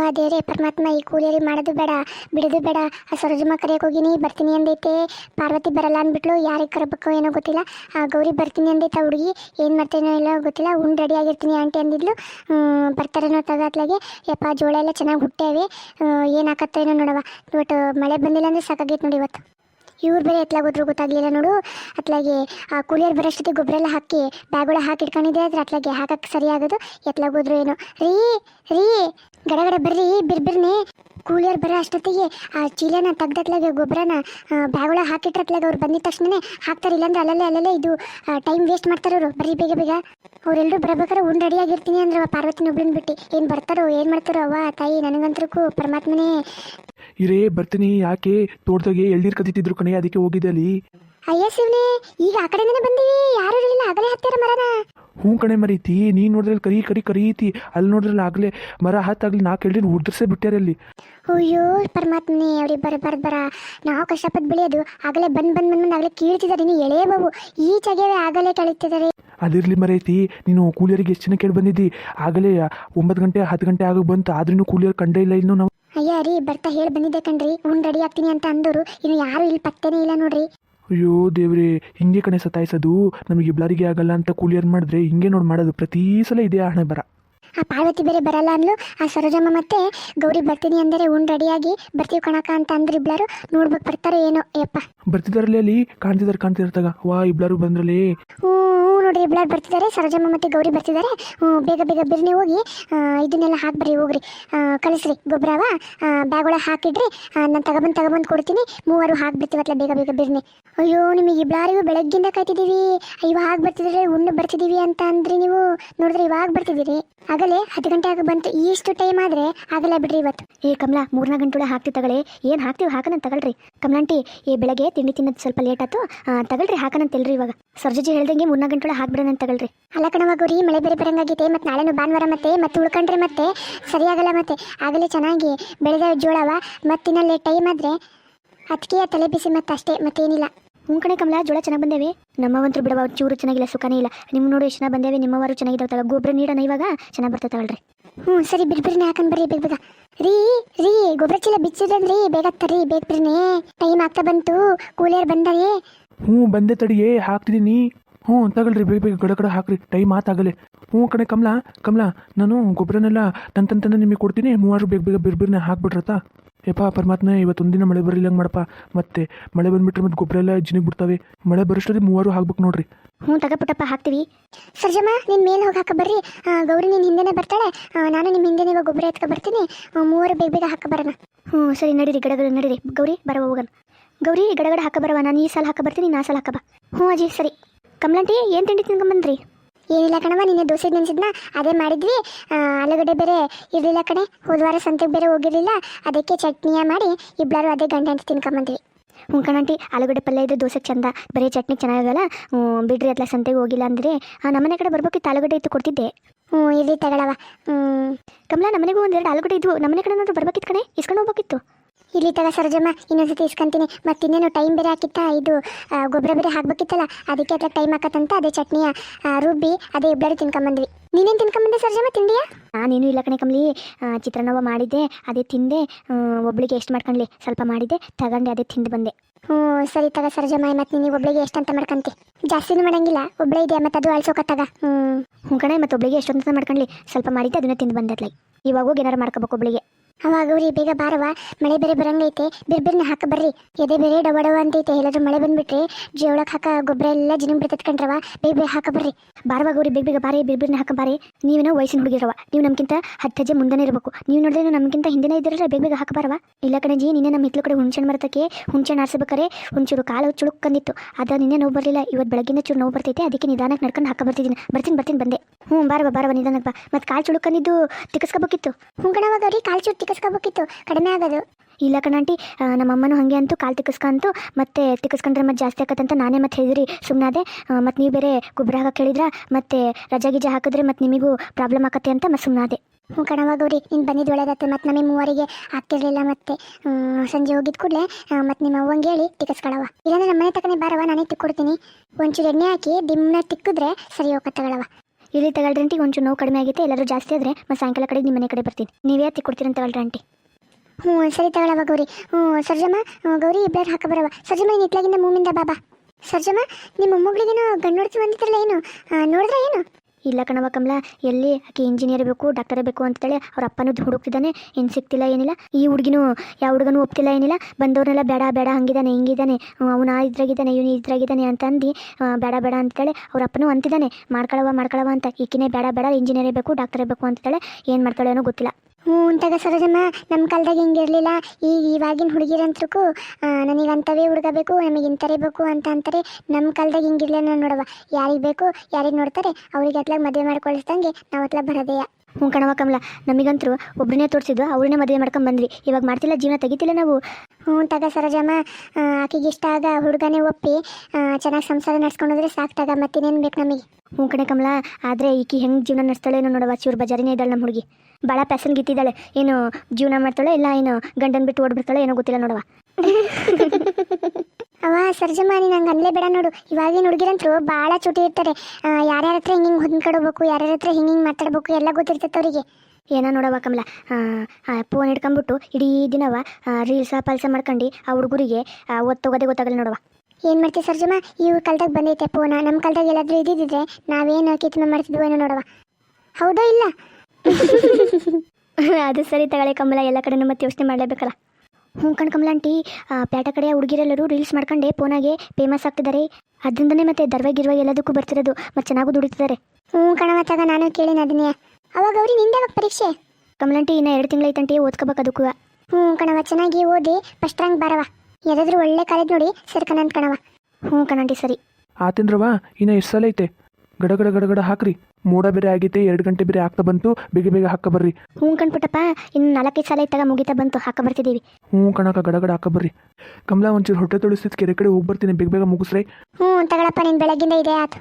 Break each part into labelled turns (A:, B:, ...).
A: ದೇವ್ರೆ ಪರಮಾತ್ಮ ಈ ಕೂಲಿಯರಿ ಮಾಡೋದು ಬೇಡ ಬಿಡೋದು ಬೇಡ. ಆ ಸರೋಜಮ್ಮ ಕರೆಯಕ್ಕೆ ಹೋಗಿನಿ ಬರ್ತೀನಿ ಅಂದೈತೆ, ಪಾರ್ವತಿ ಬರಲ್ಲ ಅಂದ್ಬಿಟ್ಲು. ಯಾರಿಗೆ ಕರಬೇಕೋ ಏನೋ ಗೊತ್ತಿಲ್ಲ. ಆ ಗೌರಿ ಬರ್ತೀನಿ ಅಂದೈತೆ. ಆ ಹುಡುಗಿ ಏನು ಮಾಡ್ತೇನೋ ಇಲ್ಲ ಗೊತ್ತಿಲ್ಲ. ಉಂಡು ರೆಡಿ ಆಗಿರ್ತೀನಿ ಆಂಟಿ ಅಂದಿದ್ಲು. ಬರ್ತಾರೇನೋ ತಗತ್ಲಾಗೆ. ಯಪ್ಪ ಜೋಳ ಎಲ್ಲ ಚೆನ್ನಾಗಿ ಹುಟ್ಟ್ಯಾವೆ. ಏನು ಹಾಕತ್ತೋ ಏನೋ ನೋಡವ. ಬಟ್ ಮಳೆ ಬಂದಿಲ್ಲ ಅಂದರೆ ಸಾಕಾಗೈತೆ ನೋಡಿ ಇವತ್ತು. ಇವ್ರು ಬೇರೆ ಎತ್ಲಾಗೋದ್ರು ಗೊತ್ತಾಗಲಿಲ್ಲ ನೋಡು. ಅತ್ಲಾಗೆ ಆ ಕೂಲಿಯರ್ ಬರೋಷ್ಟೊತ್ತಿಗೆ ಗೊಬ್ಬರ ಎಲ್ಲ ಹಾಕಿ ಬ್ಯಾಗುಳ ಹಾಕಿ ಇಟ್ಕೊಂಡಿದ್ದೆ. ಅದ್ರ ಅತ್ಲಾಗೆ ಹಾಕಕ್ಕೆ ಸರಿ ಆಗೋದು. ಎತ್ಲಾಗೋದ್ರು ಏನೋ. ರೀ ರೀ ಗಡಗಡ ಬರ್ರಿ ಬಿರ್ಬಿರ್ನಿ. ಕೂಲಿಯರ್ ಬರೋ ಅಷ್ಟೊತ್ತಿಗೆ ಆ ಚೀಲನ ತೆಗ್ದತ್ಲಾಗೆ ಗೊಬ್ಬರನ ಬ್ಯಾಗುಳ ಹಾಕಿಟ್ರತ್ಲಾಗೆ ಅವ್ರು ಬಂದಿದ ತಕ್ಷಣನೇ ಹಾಕ್ತಾರೆ. ಇಲ್ಲಾಂದ್ರೆ ಅಲ್ಲಲ್ಲೇ ಇದು ಟೈಮ್ ವೇಸ್ಟ್ ಮಾಡ್ತಾರೆ ಅವರು. ಬರ್ರಿ ಬೇಗ ಬೇಗ. ಅವರೆಲ್ಲರೂ ಬರ್ಬೇಕಾದ್ರೆ ಉಂಡು ರೆಡಿ ಆಗಿರ್ತೀನಿ ಅಂದ್ರವ ಪಾರ್ವತಿನ ಒಬ್ಳನ್ನ ಬಿಟ್ಟು. ಏನು ಬರ್ತಾರೋ ಏನು ಮಾಡ್ತಾರೋ ಅವ್ವ ತಾಯಿ ನನಗಂತರಕ್ಕೂ ಪರಮಾತ್ಮನೇ.
B: ಇರೇ ಬರ್ತೀನಿ. ಯಾಕೆ ತೋಟದಾಗೆ ಎಳ್ನೀರು ಕದಿತಿದ್ರು ಕಣೆ, ಅದಕ್ಕೆ ಹೋಗಿದ್ದೆ ಅಲ್ಲಿ.
A: ಅಯ್ಯ ಶಿವನೇ, ಈಗ ಆ ಕಡೆನೇ ಬಂದೀವಿ. ಯಾರು ಇರಲಿಲ್ಲ, ಆಗಲೇ ಹತ್ತಿರ ಮರನ.
B: ಹ್ಞೂ ಕಣೆ ಮರೀತಿ. ನೀನು ನೋಡಿದ್ರಲ್ಲಿ ಕರೀತಿ. ಅಲ್ಲಿ ನೋಡಿದ್ರಲ್ಲಿ ಆಗಲೇ ಮರ ಹತ್ತಾಗಲಿ 4 ಎಳ್ನೀರು ಉದ್ರಸೇ ಬಿಟ್ಟಾರೆ ಅಲ್ಲಿ.
A: ಅಯ್ಯೋ ಪರಮಾತ್ಮನೇ, ಅವ್ರಿಗೆ ಬರ ನಾವು ಕಷ್ಟಪಟ್ಟು ಬೆಳೆಯೋದು ಆಗಲೇ ಬಂದು ಆಗಲೇ ಕೀಳ್ತಿದ್ದಾರೆ. ಇನ್ನು ಎಳೆ ಬಾಬು ಈಚೆಗೆ ಆಗಲೇ ಕಳೀತಿದ್ದಾರೆ.
B: ಅದಿರಲಿ ಮರೈತಿ, ನೀನು ಕೂಲಿಯರಿಗೆ ಎಷ್ಟು ಜನ ಕೇಳಿ ಬಂದಿದ್ದಿ? ಆಗಲೇ 9 ಗಂಟೆ 10 ಗಂಟೆ ಆಗ ಬಂತು, ಆದ್ರೂ ಕೂಲಿಯರ್ ಕಂಡೇ ಇಲ್ಲ ಇನ್ನು ನಾವು.
A: ಅಯ್ಯ ರೀ ಬರ್ತಾ ಹೇಳಿ ಬಂದಿದ್ದೆ ಕಣ್ರಿ, ಉಂಡು ರೆಡಿ ಆಗ್ತೀನಿ ಅಂತ ಅಂದವರು. ಇನ್ನು ಯಾರು ಇಲ್ಲಿ ಪತ್ತೇನೇ ಇಲ್ಲ ನೋಡ್ರಿ.
B: ಅಯ್ಯೋ ದೇವ್ರೆ, ಹಿಂಗೆ ಕಣೆ ಸತಾಯಿಸೋದು. ನಮಗೆ ಇಬ್ಬರಿಗೆ ಆಗಲ್ಲ ಅಂತ ಕೂಲಿಯರ್ ಮಾಡಿದ್ರೆ ಹಿಂಗೆ ನೋಡಿ ಮಾಡೋದು. ಪ್ರತಿ ಸಲ ಇದೇ ಹಣೆ ಬರ.
A: ಆ ಪಾರ್ವತಿ ಬೇರೆ ಬರಲ್ಲ ಅಂದ್ಲು. ಆ ಸರೋಜಮ್ಮ ಮತ್ತೆ ಗೌರಿ ಬರ್ತೀನಿ ಅಂದರೆ ಉಂಡು ರೆಡಿಯಾಗಿ ಬರ್ತೀವಿ ಕಣಕ ಅಂತ ಅಂದ್ರು. ಇಬ್ಲಾರು ನೋಡ್ಬೇಕು ಬರ್ತಾರೋ ಏನೋ. ಯಪ್ಪ
B: ಬರ್ತಿದಾರಲ್ಲಿ ಅಲ್ಲಿ ಕಾಣ್ತಿರ್ತಾಗ. ವಾ ಇಬ್ಲಾರು ಬಂದ್ರಲ್ಲಿ.
A: ಹ್ಞೂ ನೋಡ್ರಿ ಇಬ್ಲಾರು ಬರ್ತಿದ್ದಾರೆ. ಸರೋಜಮ್ಮ ಮತ್ತೆ ಗೌರಿ ಬರ್ತಿದ್ದಾರೆ. ಬೇಗ ಬಿರ್ನಿ ಹೋಗಿ ಇದನ್ನೆಲ್ಲ ಹಾಕ್ಬರ್ರಿ ಹೋಗ್ರಿ. ಕಳಿಸ್ರಿ ಗೊಬ್ಬರವ ಬ್ಯಾಗೊಳಗೆ ಹಾಕಿಡ್ರಿ. ನಾನು ತಗೊಬಂದು ಕೊಡ್ತೀನಿ. ಮೂವರು ಹಾಕ್ಬಿಡ್ತೀವತ್ಲ ಬೇಗ ಬಿರ್ನಿ. ಅಯ್ಯೋ ನಿಮಗೆ ಇಬ್ಲಾರಿಗೂ ಬೆಳಗ್ಗಿಂದ ಕಾಯ್ತಿದ್ದೀವಿ. ಇವಾಗ ಬರ್ತಿದ್ರೆ ಉಣ್ಣು ಬರ್ತಿದ್ದೀವಿ ಅಂತ ಅಂದ್ರಿ ನೀವು. ನೋಡಿದ್ರೆ ಇವಾಗ ಬರ್ತಿದ್ದೀರಿ. ಆಗಲೇ 10 ಗಂಟೆ ಆಗ ಬಂತು. ಇಷ್ಟು ಟೈಮ್ ಆದರೆ ಆಗಲ್ಲ ಬಿಡ್ರಿ ಇವತ್ತು.
C: ಏ ಕಮಲಾ, 3-4 ಗಂಟೆ ಹಾಕ್ತಿ ತಗೊಳ್ಳಿ. ಏನು ಹಾಕ್ತೀವಿ ಹಾಕನಂತ ತಗೊಳ್ರಿ. ಕಮಲಾಂಟಿ, ಬೆಳಗ್ಗೆ ತಿಂಡಿ ತಿನ್ನೋದು ಸ್ವಲ್ಪ ಲೇಟ್ ಆಯ್ತು. ತಗೊಳ್ರಿ ಹಾಕನಂತಲ್ರಿ. ಇವಾಗ ಸರ್ಜಿ ಹೇಳ್ದಂಗೆ 3-4 ಗಂಟೆ ಹಾಕ್ಬಿಡೋಣ ತಗೊಳ್ರಿ.
A: ಅಲ್ಲ ಕಣವ ಗೌರಿ, ಮಳೆ ಬೇರೆ ಬರಂಗಾಗೈತೆ. ಮತ್ತು ನಾಳೆನೂ ಭಾನುವಾರ ಮತ್ತೆ ಉಳ್ಕೊಂಡ್ರೆ ಮತ್ತೆ ಸರಿಯಾಗಲ್ಲ. ಮತ್ತೆ ಆಗಲೇ ಚೆನ್ನಾಗಿ ಬೆಳೆದ ಜೋಳವ. ಮತ್ತಿನಲ್ಲಿ ಟೈಮ್ ಆದರೆ ಅದಕ್ಕೆ ತಲೆ ಬಿಸಿ ಮತ್ತೆ ಅಷ್ಟೇ, ಮತ್ತೇನಿಲ್ಲ.
C: ಹ್ಞೂ ಕಣೆ ಕಮಲಾ, ಜೋಳ ಚೆನ್ನಾಗಿ ಬಂದೇವೆ. ನಮ್ಮವಂತರು ಬಿಡವ ಚೂರು ಚೆನ್ನಾಗಿಲ್ಲ, ಸುಖನೇ ಇಲ್ಲ. ನಿಮ್ಮ ನೋಡಿ ಎಷ್ಟು ಚೆನ್ನಾಗಿ ಬಂದೇವೆ. ನಿಮ್ಮವರು ಚೆನ್ನಾಗಿದ್ದಾವೆ ತಗ. ಗೊಬ್ಬರ ನೀಡೋಣ ಇವಾಗ, ಚೆನ್ನಾಗಿ ಬರ್ತದೆ ತಗೊಳ್ರಿ.
A: ಸರಿ ಬಿರ್ಬಿರ್ನೆ ಹಾಕೊಂಡು ಬರ್ರಿ ಬೇಗ. ರೀ ಗೊಬ್ಬರ ಚೀಲ ಬಿಚ್ಚಿದ್ರಿ, ಬೇಗ ತರ್ರಿ ಬೇಗ. ಟೈಮ್ ಆಗ್ತಾ ಬಂತು, ಕೂಲಿಯರ್ ಬಂದರೆ.
B: ಹ್ಞೂ ಬಂದೆ ತಡಿಯೇ, ಹಾಕ್ತಿದ್ದೀನಿ. ಹ್ಞೂ ತಗೊಳ್ರಿ ಬೇಗ ಗಡ ಹಾಕ್ರಿ. ಟೈಮ್ ಆತಾಗಲೇ. ಹ್ಞೂ ಕಣೆ ಕಮಲಾ, ನಾನು ಗೊಬ್ಬರನೆಲ್ಲ ತಂತಂತ ನಿಮಗೆ ಕೊಡ್ತೀನಿ. 3 ಬೇಗ ಬಿರ್ಬಿರ್ನೆ ಹಾಕ್ಬಿಟ್ರತ್ತ. ಯಪ್ಪ ಪರಮಾತ್ಮ, ಇವತ್ತೊಂದಿನ ಮಳೆ ಬರಲಿಲ್ಲಂಗೆ ಮಾಡಪ್ಪ. ಮತ್ತೆ ಮಳೆ ಬಂದುಬಿಟ್ರೆ ಮತ್ತೆ ಗೊಬ್ಬರ ಎಲ್ಲ ಜಿನಿಗೆ ಬಿಡ್ತಾವೆ. ಮಳೆ ಬರೋಷ್ಟರಲ್ಲಿ 3 ಹಾಕ್ಬೇಕು ನೋಡ್ರಿ.
C: ಹ್ಞೂ ತಗಪುಟ್ಟಪ್ಪ ಹಾಕ್ತೀವಿ.
A: ಸರ್ಜಮ್ಮ ನಿನ್ನ ಮೇಲೆ ಹೋಗಿ ಹಾಕ ಬರ್ರಿ. ಗೌರಿ ನಿನ್ನ ಹಿಂದೆನೇ ಬರ್ತಾಳೆ. ನಾನು ನಿಮ್ಮ ಹಿಂದೆನೇ ಇವಾಗ ಗೊಬ್ಬರ ಎತ್ಕೊ ಬರ್ತೀನಿ. 3 ಬೇಗ ಹಾಕ ಬರೋಣ.
C: ಹ್ಞೂ ಸರಿ ನಡೀರಿ, ಗಡಗಡ ನಡೀರಿ. ಗೌರಿ ಬರವ ಹೋಗೋಣ. ಗೌರಿ ಗಡಗಡ ಹಾಕ ಬರವ. ನಾನು ಈ ಸಲ ಹಾಕ ಬರ್ತೀನಿ, ನಾ ಸಲ ಹಾಕಬ. ಹ್ಞೂ ಅಜ್ಜಿ ಸರಿ. ಕಮಲಾಂಟಿ ಏನು ತಿಂಡಿ ತಿನ್ಕೊಂಬಂದ್ರಿ?
A: ಏನಿಲ್ಲ ಕಣವ, ನಿನ್ನೆ ದೋಸೆ ನೆನೆಸಿದ್ನ ಅದೇ ಮಾಡಿದ್ವಿ. ಆಲೂಗಡ್ಡೆ ಬೇರೆ ಇರಲಿಲ್ಲ ಕಣೆ. ಹೋದ್ವಾರ ಸಂತೆಗೆ ಬೇರೆ ಹೋಗಿರಲಿಲ್ಲ. ಅದಕ್ಕೆ ಚಟ್ನಿಯ ಮಾಡಿ ಇಬ್ಬರು ಅದೇ ಗಂಟೆ ಅಂತ ತಿನ್ಕೊಂಬಂದ್ವಿ.
C: ಹ್ಞೂ ಕಣಂಟಿ, ಆಲೂಗಡ್ಡೆ ಪಲ್ಯ ಇದ್ದು ದೋಸೆ ಚಂದ, ಬರೀ ಚಟ್ನಿ ಚೆನ್ನಾಗಲ್ಲ. ಬಿಡ್ರಿ ಅತ್ಲ ಸಂತೆಗೆ ಹೋಗಿಲ್ಲ ಅಂದರೆ ನಮ್ಮನೆ ಕಡೆ ಬರ್ಬೇಕಿತ್ತು. ಆಲೂಗಡ್ಡೆ ಇತ್ತು ಕೊಡ್ತಿದ್ದೆ.
A: ಇರ್ಲಿ ತಗೊಳವ.
C: ಕಮಲಾ, ನಮ್ಮನೆಗೂ 1-2 ಆಲೂಗಡ್ಡೆ ಇದ್ವು. ನಮ್ಮನೆ ಕಡೆ ಏನಾದರೂ ಬರ್ಬೇಕಿತ್ತು ಕಣೆ, ಇಸ್ಕೊಂಡು ಹೋಗ್ಬೇಕಿತ್ತು.
A: ಇಲ್ಲಿ ತಗ ಸರೋಜಮ್ಮ, ಇನ್ನೊಂದ್ಸತಿ ಇಸ್ಕೊಂತೀನಿ. ಮತ್ತು ಇನ್ನೇನು ಟೈಮ್ ಬೇರೆ ಹಾಕಿತ್ತ. ಇದು ಗೊಬ್ಬರ ಬೇರೆ ಹಾಕ್ಬೇಕಿತ್ತಲ್ಲ, ಅದಕ್ಕೆ ಅದ್ರ ಟೈಮ್ ಹಾಕತ್ತಂತ ಅದೇ ಚಟ್ನಿಯ ರುಬ್ಬಿ ಅದೇ ಇಬ್ಬರು ತಿನ್ಕೊಂಬಂದ್ವಿ. ನೀನೇನು ತಿನ್ಕೊಂಬಂದೆ ಸರೋಜಮ್ಮ ತಿಂಡಿಯಾ?
C: ನಾನೇನು ಇಲ್ಲ ಕಣೆ ಕಮಲಿ, ಚಿತ್ರಾನ್ನವ ಮಾಡಿದ್ದೆ ಅದೇ ತಿಂದೆ. ಒಬ್ಳಿಗೆ ಎಷ್ಟು ಮಾಡ್ಕೊಂಡ್ಲಿ ಸ್ವಲ್ಪ ಮಾಡಿದ್ದೆ, ತಗೊಂಡೆ ಅದೇ ತಿಂದು ಬಂದೆ.
A: ಸರಿ ತಗ ಸರೋಜಮ್ಮ. ಮತ್ತು ನೀನು ಒಬ್ಳಿಗೆ ಎಷ್ಟಂತ ಮಾಡ್ಕೊಂತಿ? ಜಾಸ್ತಿನೂ ಮಾಡಂಗಿಲ್ಲ, ಒಬ್ಬಳೇ ಇದೆಯಾ ಮತ್ತು ಅದು ಅಳ್ಸೋಕತ್ತಾಗ.
C: ಹ್ಞೂ ಕಣೆ, ಮತ್ತು ಒಬ್ಳಿಗೆ ಎಷ್ಟೊಂತ ಮಾಡ್ಕೊಂಡ್ಲಿ ಸ್ವಲ್ಪ ಮಾಡಿದ್ದೆ, ಅದನ್ನ ತಿಂದು ಬಂದೆ. ಅತ್ಲಾಗಿ ಇವಾಗ ಹೋಗಿ ಏನಾರು ಮಾಡ್ಕೋಬೇಕು ಒಬ್ಳಿಗೆ.
A: ಅವಾಗ ಅವ್ರಿ ಬೇಗ ಬಾರವ, ಮಳೆ ಬೇರೆ ಬರಂಗೈತೆ. ಬಿರ್ಬಿರ್ನ ಹಾಕ ಬರ್ರಿ. ಎದೆ ಬೇರೆ ಡವಡವ ಅಂತೈತೆ. ಎಲ್ಲಾದ್ರೂ ಮಳೆ ಬಂದ್ಬಿಟ್ರೆ ಜೋಳಕ್ಕೆ ಹಾಕ ಗೊಬ್ಬರ ಎಲ್ಲ ಜಿನಿಗೆ ಬಿಡ್ತೈತೆ ಕಣ್ರವ. ಬೇಗ ಹಾಕ ಬರ್ರಿ.
C: ಬಾರವಾಗ ಅವ್ರಿ ಬೇಗ ಬಾರಿ, ಬಿರ್ಬಿರ್ನ ಹಾಕ ಬಾರಿ. ನೀವೇನೋ ವಯಸ್ಸಿನ ಹುಡುಗಿರವ, ನೀವು ನಮ್ಗಿಂತ 10 ಹೆಜ್ಜೆ ಮುಂದೆ ಇರಬೇಕು. ನೀವು ನೋಡಿದ್ರೆ ನಮ್ಗಿಂತ ಹಿಂದೆ ಇದ್ದೀರಲ್ಲ, ಬೇಗ ಹಾಕ ಬಾರವ. ಇಲ್ಲ ಕಣಜಿ, ನಿನ್ನೆ ನಮ್ಮ ಹಿತ್ಲ ಕಡೆ ಹುಣ್ಸೆಣ್ಣು ಮರತಕ್ಕೆ ಹುಣ್ಸೆಣ್ಣು ಆರಿಸಬೇಕಾರೆ ಒಂಚೂರು ಕಾಲು ಚುಳುಕ್ಕಂದಿತ್ತು. ಅದು ನಿನ್ನೆ ನೋವು ಬರಲಿಲ್ಲ, ಇವತ್ತು ಬೆಳಗ್ಗಿಂದ ಚೂರು ನೋವು ಬರ್ತೈತೆ. ಅದಕ್ಕೆ ನಿಧಾನಕ್ಕೆ ನಡ್ಕೊಂಡು ಹಾಕ ಬರ್ತಿದ್ದೀನಿ. ಬರ್ತೀನಿ ಬಂದೆ. ಬಾರವ ನಿಧಾನಕ್ಕೆ ಬಾ. ಮತ್ತು ಕಾಲು ಚುಳುಕ್ಕಂದಿದ್ದು ತಿಕ್ಕಿಸ್ಕೋಬೇಕಿತ್ತು.
A: ಕಣವಾಗ ಅವ್ರಿ ಕಾಲು ಚೂರು ತಿಕ್ಕಿಸ್ಕೋಬೇಕಿತ್ತು, ಕಡಿಮೆ ಆಗೋದು.
C: ಇಲ್ಲ ಕಣಾಂಟಿ, ನಮ್ಮಮ್ಮನೂ ಹಾಗೆ ಅಂತೂ ಕಾಲು ತಿಕ್ಕಿಸ್ಕಂತು. ಮತ್ತೆ ತಿಕ್ಕಿಸ್ಕೊಂಡ್ರೆ ಮತ್ತೆ ಜಾಸ್ತಿ ಆಕತ್ತಂತ ನಾನೇ ಮತ್ತೆ ಹೇಳಿದ್ರಿ ಸುಮ್ಮನಾದೆ. ಮತ್ತು ನೀವು ಬೇರೆ ಗೊಬ್ಬರ ಹಾಕಕ್ಕೆ ಹೇಳಿದ್ರ, ಮತ್ತೆ ರಜಾ ಗಿಜಾ ಹಾಕಿದ್ರೆ ಮತ್ತೆ ನಿಮಗೂ ಪ್ರಾಬ್ಲಮ್ ಆಕತ್ತೆ ಅಂತ ಮತ್ತೆ ಸುಮ್ಮನಾದೆ.
A: ಕಣವಾಗ ಅವ್ರಿ ನೀನು ಬಂದಿದ್ದು ಒಳ್ಳೇದತ್ತೆ. ಮತ್ತು ನಮಗೆ 3 ಆಗ್ತಿರ್ಲಿಲ್ಲ. ಮತ್ತೆ ಸಂಜೆ ಹೋಗಿದ್ ಕೂಡಲೇ ಮತ್ತು ನಿಮ್ಮ ಅವ್ವಂಗೆ ಹೇಳಿ ತಿಕ್ಕಿಸ್ಕೊಳವ. ಇಲ್ಲಾಂದ್ರೆ ನಮ್ಮ ಮನೆ ತಕ್ಕನೆ ಬಾರವ, ನಾನೇ ತಿಕ್ಕೊಡ್ತೀನಿ. ಒಂಚೂರು ಎಣ್ಣೆ ಹಾಕಿ ದಿಮ್ಮನ ತಿಕ್ಕಿದ್ರೆ ಸರಿ ಹೋಗತ್ತಗಳವ.
C: ಇಲ್ಲಿ ತಗೊಳ್ರಿ ಆಂಟಿ, ಒಂಚೂರು ನೋವು ಕಡಿಮೆ ಆಗೈತೆ. ಎಲ್ಲರೂ ಜಾಸ್ತಿ ಆದರೆ ಮತ್ತೆ ಸಾಯಂಕಾಲ ಕಡೆಗೆ ನಿಮ್ಮ ಮನೆ ಕಡೆ ಬರ್ತೀನಿ. ನೀವೇ ಹತ್ತಿ ಕೊಡ್ತೀರಂತ ತಗೊಳ್ರಿ ಆಂಟಿ.
A: ಹ್ಞೂ ಸರಿ ತಗೊಳವ ಗೌರಿ. ಹ್ಞೂ ಸರ್ಜಮ್ಮ, ಗೌರಿ ಇಬ್ಬರು ಹಾಕ ಬರವ. ಸರ್ಜಮ್ಮ ಇನ್ನು ಇತ್ಲಾಗಿಂದ ಮೂಮಿಂದ ಬಾಬಾ. ಸರ್ಜಮ್ಮ, ನಿಮ್ಮ ಮೊಮ್ಮಗಳಿಗೇನೋ ಗಂಡು ನೋಡ್ತಿ ಬಂದಿದ್ರಲ್ಲ, ಏನು ನೋಡಿದ್ರೆ ಏನು?
C: ಇಲ್ಲ ಕಣವ ಕಮಲ, ಎಲ್ಲಿ ಆಕೆ ಇಂಜಿನಿಯರ್ ಬೇಕು ಡಾಕ್ಟರೇ ಬೇಕು ಅಂತೇಳಿ ಅವ್ರ ಅಪ್ಪನೂ ಹುಡುಕ್ತಿದ್ದಾನೆ, ಏನು ಸಿಗ್ತಿಲ್ಲ ಏನಿಲ್ಲ. ಈ ಹುಡುಗಿನೂ ಯಾವ ಹುಡುಗನೂ ಒಪ್ತಿಲ್ಲ ಏನಿಲ್ಲ. ಬಂದವ್ರನ್ನೆಲ್ಲ ಬೇಡ ಬೇಡ ಹಂಗಿದ್ದಾನೆ ಹಿಂಗಿದ್ದಾನೆ, ಅವನು ಆ ಇದ್ರಾಗಿದ್ದಾನೆ ಇವನು ಇದ್ರಾಗಿದ್ದಾನೆ ಅಂತ ಅಂದು ಬೇಡ ಬೇಡ ಅಂತೇಳಿ ಅವ್ರ ಅಪ್ಪನೂ ಅಂತಿದ್ದಾನೆ. ಮಾಡ್ಕೊಳವ ಅಂತ. ಈಕಿನೇ ಬೇಡ ಬೇಡ ಇಂಜಿನಿಯರೇ ಬೇಕು ಡಾಕ್ಟರೇ ಬೇಕು ಅಂತೇಳಿ ಏನು ಮಾಡ್ತಾಳೆ ಏನೋ ಗೊತ್ತಿಲ್ಲ.
A: ಹ್ಞೂ ಅಂತಾಗ ಸರೋಜಮ್ಮ, ನಮ್ಮ ಕಾಲದಾಗ ಹಿಂಗಿರಲಿಲ್ಲ. ಈಗ ಇವಾಗಿನ ಹುಡುಗಿರಂತ್ರಕ್ಕೂ ನನಗೆ ಅಂಥವೇ ಹುಡುಗ ಬೇಕು, ನಮಗೆ ಇಂಥರೇ ಬೇಕು ಅಂತ ಅಂತಾರೆ. ನಮ್ಮ ಕಾಲದಾಗ ಹಿಂಗಿರಲಿಲ್ಲ ನೋಡವ. ಯಾರಿಗೆ ಬೇಕು ಯಾರಿಗೆ ನೋಡ್ತಾರೆ ಅವ್ರಿಗೆ ಅತ್ಲಾಗ ಮದುವೆ ಮಾಡ್ಕೊಳಿಸ್ದಂಗೆ ನಾವು ಅತ್ಲಾಗ ಬರೋದೆಯ.
C: ಹ್ಞೂ ಕಣವ ಕಮಲ, ನಮಗಂತರೂ ಒಬ್ಬರನ್ನೇ ತೋರಿಸಿದ್ದು, ಅವ್ರನ್ನೇ ಮದುವೆ ಮಾಡ್ಕೊಂಡು ಬಂದ್ರಿ. ಇವಾಗ ಮಾಡ್ತಿಲ್ಲ, ಜೀವನ ತೆಗಿತಿಲ್ಲ ನಾವು.
A: ಹ್ಞೂ ತಗ ಸರೋಜಮ್ಮ, ಆಕೆಗೆ ಇಷ್ಟ ಆಗ ಹುಡುಗನೇ ಒಪ್ಪಿ ಚೆನ್ನಾಗಿ ಸಂಸಾರ ನಡ್ಸ್ಕೊಂಡೋದ್ರೆ ಸಾಕ್ತಾಗ ಮತ್ತಿನ್ನೇನು ಬೇಕು ನಮಗೆ.
C: ಹ್ಞೂ ಕಣೆ ಕಮಲ, ಆದರೆ ಈಕಿ ಹೆಂಗೆ ಜೀವನ ನಡೆಸ್ತಾಳೇನೋ ನೋಡವ. ಚೂರು ಬಜಾರಿನೇ ಇದ್ದಾಳೆ ನಮ್ಮ ಹುಡುಗಿ. ಭಾಳ ಪ್ಯಾಸನ್ ಗಿತ್ತಿದ್ದಾಳೆ. ಏನು ಜೀವನ ಮಾಡ್ತಾಳೆ ಇಲ್ಲ ಏನು ಗಂಡನ ಬಿಟ್ಟು ಓಡ್ಬಿಡ್ತಾಳೆ ಏನೋ ಗೊತ್ತಿಲ್ಲ ನೋಡವ.
A: ಅವ ಸರ್ಜಮ್ಮ, ನೀನು ಹಂಗೆ ಅನ್ಲೇ ಬೇಡ ನೋಡು. ಇವಾಗಿನ ಹುಡುಗಿರಂತರು ಭಾಳ ಚುಟಿ ಇರ್ತಾರೆ. ಯಾರ್ಯಾರ ಹತ್ರ ಹಿಂಗೆ ಹೊಂದ್ಕೊಡ್ಬೇಕು, ಯಾರ್ಯಾರ ಹತ್ರ ಹಿಂಗೆ ಮಾತಾಡ್ಬೇಕು ಎಲ್ಲ ಗೊತ್ತಿರ್ತೈತೆ ಅವರಿಗೆ.
C: ಏನೋ ನೋಡವ ಕಮಲ, ಫೋನ್ ಹಿಡ್ಕೊಂಬಿಟ್ಟು ಇಡೀ ದಿನವ ರೀಲ್ಸ ಪಲ್ಸ ಮಾಡ್ಕೊಂಡು ಆ ಹುಡುಗರಿಗೆ ಒತ್ತೋಗೋದೇ ಗೊತ್ತಾಗಲ್ಲ ನೋಡವ.
A: ಏನು ಮಾಡ್ತೀವಿ ಸರ್ಜಮ್ಮ, ಇವ್ರ ಕಾಲದಾಗ ಬಂದೈತೆ ಫೋನ. ನಮ್ಮ ಕಾಲದಾಗ ಎಲ್ಲಾದರೂ ಇದ್ದಿದ್ದರೆ ನಾವೇನು ಕಿತ್ಮೆ ಮಾಡ್ತಿದ್ವೋ ಏನೋ ನೋಡವ. ಹೌದಾ ಇಲ್ಲ?
C: ಅದು ಸರಿ ತಗೊಳ್ಳಿ ಕಮಲ, ಎಲ್ಲ ಕಡೆನೂ ಮತ್ತೆ ಯೋಚನೆ ಮಾಡಲೇಬೇಕಲ್ಲ. ಹ್ಞೂ ಕಣ್ ಕಮಲ ಆಂಟಿ, ಪೇಟ ಕಡೆ ಹುಡುಗಿರೆಲ್ಲರೂ ರೀಲ್ಸ್ ಮಾಡ್ಕೊಂಡೆ ಫೋನಾಗೆ ಫೇಮಸ್ ಆಗ್ತಿದ್ದಾರೆ. ಅದರಿಂದನೇ ಮತ್ತೆ ದರ್ವೆ ಗಿರ್ವೆ ಎಲ್ಲದಕ್ಕೂ ಬರ್ತಿರೋದು, ಮತ್ತು ಚೆನ್ನಾಗೂ ದುಡಿತಿದ್ದಾರೆ.
A: ಹ್ಞೂ ಕಣವ ತಗ, ನಾನು ಕೇಳಿನ ಅದನ್ನೇ. ಅವಾಗ ಅವ್ರಿ ನಿಂದಾವಾಗ ಪರೀಕ್ಷೆ?
C: ಕಮಲಂಟಿ ಇನ್ನು 2 ತಿಂಗಳೈತಂಟಿ, ಓದ್ಕೋಬೇಕು ಅದಕ್ಕೂ.
A: ಹ್ಞೂ ಕಣವ, ಚೆನ್ನಾಗಿ ಓದಿ ಫಸ್ಟ್ ರ್ಯಾಂಕ್ ಬರವ. ಯಾವುದಾದ್ರೂ ಒಳ್ಳೆ ಕಾಲೇಜ್ ನೋಡಿ ಸೇರ್ಕನಂತ ಕಣವ.
C: ಹ್ಞೂ ಕಣಂಟಿ ಸರಿ.
B: ಆತೇನ್ರವ, ಇನ್ನು ಎಷ್ಟು ಸಲ ಐತೆ? ಗಡಗಡ ಗಡಗಡ ಹಾಕ್ರಿ. ಮೋಡ ಬೇರೆ ಆಗೈತೆ, 2 ಗಂಟೆ ಬೇರೆ ಆಗ್ತಾ ಬಂತು. ಬೇಗ ಬೇಗ ಹಾಕ ಬರ್ರಿ.
C: ಹ್ಞೂ ಕಣ್ಪುಟ್ಟಪ್ಪ, ಇನ್ನು 4-5 ಸಲ ಇತ್ತಾಗ ಮುಗಿತಾ ಬಂತು, ಹಾಕ ಬರ್ತಿದ್ದೀವಿ.
B: ಹ್ಞೂ ಕಣಕ, ಗಡಗಡ ಹಾಕ ಬರ್ರಿ. ಕಮಲ, ಒಂಚೂರು ಹೊಟ್ಟೆ ತೊಳಿಸಿದ ಕೆರೆ ಕಡೆ ಹೋಗಿ ಬರ್ತೀನಿ, ಬೇಗ ಬೇಗ ಮುಗಿಸ್ರಿ.
A: ಹ್ಞೂ ತಗೊಳಪ್ಪ, ನೀನು ಬೆಳಗ್ಗಿಂದ ಇದೆ ಆತು.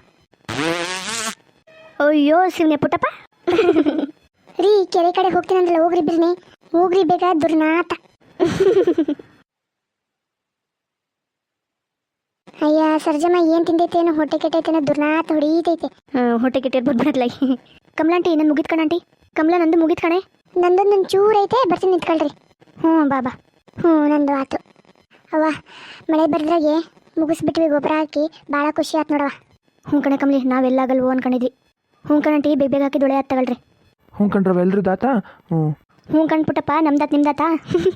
C: ಅಯ್ಯೋ ಶಿವನೇ ಪುಟ್ಟಪ್ಪ.
A: ರೀ, ಕೆರೆ ಕಡೆ ಹೋಗ್ತೀನಂದ್ರಲ್ಲ, ಹೋಗ್ರಿ ಬಿರ್ನಿ, ಹೋಗ್ರಿ ಬೇಗ, ದುರ್ನಾಥ. ಅಯ್ಯ ಸರ್ಜಮ್ಮ, ಏನು ತಿಂದೈತೇನೋ, ಹೊಟ್ಟೆ ಕೆಟ್ಟೈತೇನೋ, ದುರ್ನಾಥ ಹೊಡೀತೈತೆ.
C: ಹೊಟ್ಟೆ ಕೆಟ್ಟಿರ್ಬೋದು ಬಿಡತ್ಲಾಗಿ. ಕಮಲಾಂಟಿ ನನ್ನ ಮುಗಿತ್ ಕಣಂಟಿ. ಕಮಲ ನಂದು ಮುಗಿತ್ ಕಣೆ.
A: ನಂದೊಂದು ಚೂರು ಐತೆ, ಬರ್ತೀನಿ ನಿಂತ್ಕೊಳ್ರಿ.
C: ಹ್ಞೂ ಬಾಬಾ.
A: ಹ್ಞೂ ನಂದು ಆತು. ಅವ್ವ, ಮಳೆ ಬರ್ದ್ರಾಗೆ ಮುಗಿಸ್ಬಿಟ್ವಿ, ಗೊಬ್ಬರ ಹಾಕಿ ಭಾಳ ಖುಷಿ ಆಯ್ತು ನೋಡವ.
C: ಹ್ಞೂ ಕಣೆ ಕಮಲಿ, ನಾವೆಲ್ಲಾಗಲ್ವೋ ಅನ್ಕೊಂಡಿದ್ವಿ. ಹ್ಞೂ ಕಣಂಟಿ, ಬೇಗ ಬೇಗ ಹಾಕಿ ದೊಳೆ ತಗೊಳ್ರಿ.
B: ಹ್ಞೂ ಕಣ್ರವ, ಎಲ್ರು ದಾತಾ?
C: ಹ್ಞೂ ಕಣ್ಪುಟ್ಟಪ್ಪ, ನಮ್ದಾತ್ ನಿಮ್ದಾತಾ?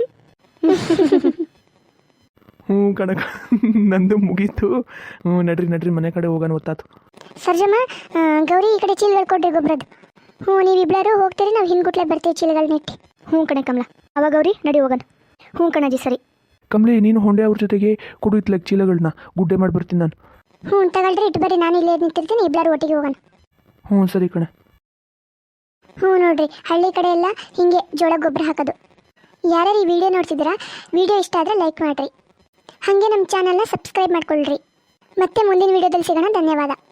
B: ಹ್ಞೂ ಕಣಕ, ನಂದು ಮುಗೀತು. ಹ್ಞೂ ನಡ್ರಿ ಮನೆ ಕಡೆ ಹೋಗೋಣ, ಗೊತ್ತಾತು.
A: ಸರ್ಜಮ್ಮ, ಗೌರಿ ಈ ಕಡೆ ಚೀಲಗಳು ಕೊಡ್ರಿ ಗೊಬ್ಬರದ್ದು. ಹ್ಞೂ, ನೀವಿಬ್ಬರು ಹೋಗ್ತೀರಿ, ನಾವು ಹಿಂಗುಟ್ಲೆ ಬರ್ತೀವಿ ಚೀಲಗಳನ್ನ ಇಟ್ಟು.
C: ಹ್ಞೂ ಕಣೆ ಕಮಲ, ಅವಾಗ ಗೌರಿ ನಡಿ ಹೋಗೋಣ. ಹ್ಞೂ ಕಣಜಿ ಸರಿ.
B: ಕಮಲಿ, ನೀನು ಹೊಂಡೆ ಅವ್ರ ಜೊತೆಗೆ ಕೊಡು ಇತ್ಲಾಗ ಚೀಲಗಳನ್ನ ಗುಡ್ಡೆ ಮಾಡಿ ಬರ್ತೀನಿ ನಾನು.
A: ಹ್ಞೂ ತಗೊಳ್ರಿ, ಇಟ್ಟು ಬರ್ರಿ, ನಾನು ಇಲ್ಲೇ ನಿಂತಿರ್ತೀನಿ, ಇಬ್ಬರು ಒಟ್ಟಿಗೆ ಹೋಗೋಣ.
B: ಹ್ಞೂ ಸರಿ ಕಣೆ.
A: ಹ್ಞೂ ನೋಡ್ರಿ, ಹಳ್ಳಿ ಕಡೆ ಎಲ್ಲ ಹಿಂಗೆ ಜೋಳ ಗೊಬ್ಬರ ಹಾಕೋದು. ಯಾರ್ಯಾರು ಈ ವಿಡಿಯೋ ನೋಡ್ತಿದ್ದೀರಾ, ವಿಡಿಯೋ ಇಷ್ಟ ಆದರೆ ಲೈಕ್ ಮಾಡಿರಿ. ಹಾಗೆ ನಮ್ಮ ಚಾನಲ್ನ ಸಬ್ಸ್ಕ್ರೈಬ್ ಮಾಡ್ಕೊಳ್ರಿ. ಮತ್ತೆ ಮುಂದಿನ ವಿಡಿಯೋದಲ್ಲಿ ಸಿಗೋಣ. ಧನ್ಯವಾದ.